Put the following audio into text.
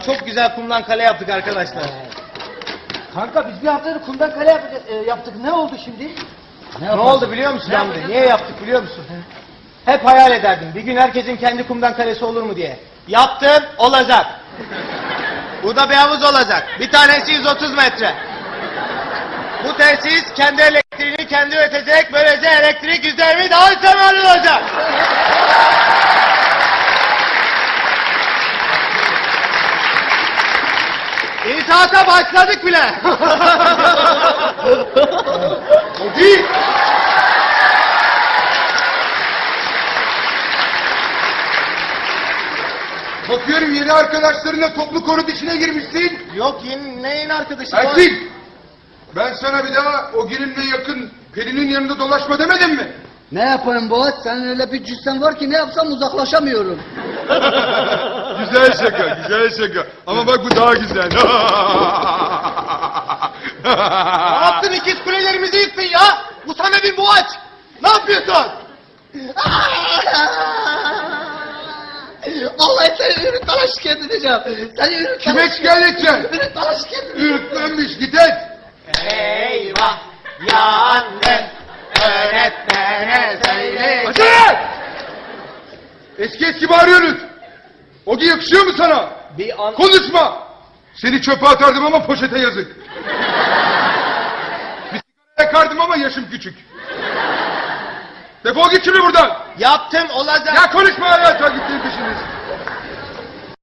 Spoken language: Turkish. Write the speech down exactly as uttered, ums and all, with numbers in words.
çok güzel kumdan kale yaptık arkadaşlar. Kanka biz bir haftadır kumdan kale yap e, yaptık. Ne oldu şimdi? Ne, ne oldu biliyor musun Hamdi? Niye yaptık biliyor musun? Hep hayal ederdim. Bir gün herkesin kendi kumdan kalesi olur mu diye. Yaptım, olacak. Burada bir havuz olacak. Bir tanesi yüz otuz metre. Bu tesis kendi elektriğini kendi üretecek. Böylece elektrik yüzde yirmi daha üstemal olacak. İnşaata başladık bile. Hadi! Bakıyorum yeni arkadaşlarınla toplu konut işine girmişsin. Yok yeni neyin arkadaşı? Ersin! Ben sana bir daha o gelinle yakın Pelin'in yanında dolaşma demedim mi? Ne yapayım Boğaç? Senin öyle bir cüssen var ki ne yapsam uzaklaşamıyorum. Güzel şaka, güzel şaka. Ama bak bu daha güzel. Ne yaptın, ikiz kulelerimizi yıktın ya? Bu sana bir boğaç. Ne yapıyorsun? Vallahi seni ürütmana şikayet edeceğim. Seni ürütmana Kime şikayet edeceksin? Ürütmana şikayet edeceğim. Ürklenmiş git et. Eyvah yandım. Öğretmene söyle. Acele! Eski eski bağırıyorsunuz. Ogi yakışıyor mu sana? Bir an... Konuşma! Seni çöpe atardım ama poşete yazık. Bir sigara yakardım ama yaşım küçük. Defol git şimdi buradan. Yaptım olacak. Ya konuşma ya, sen gittiğin peşiniz.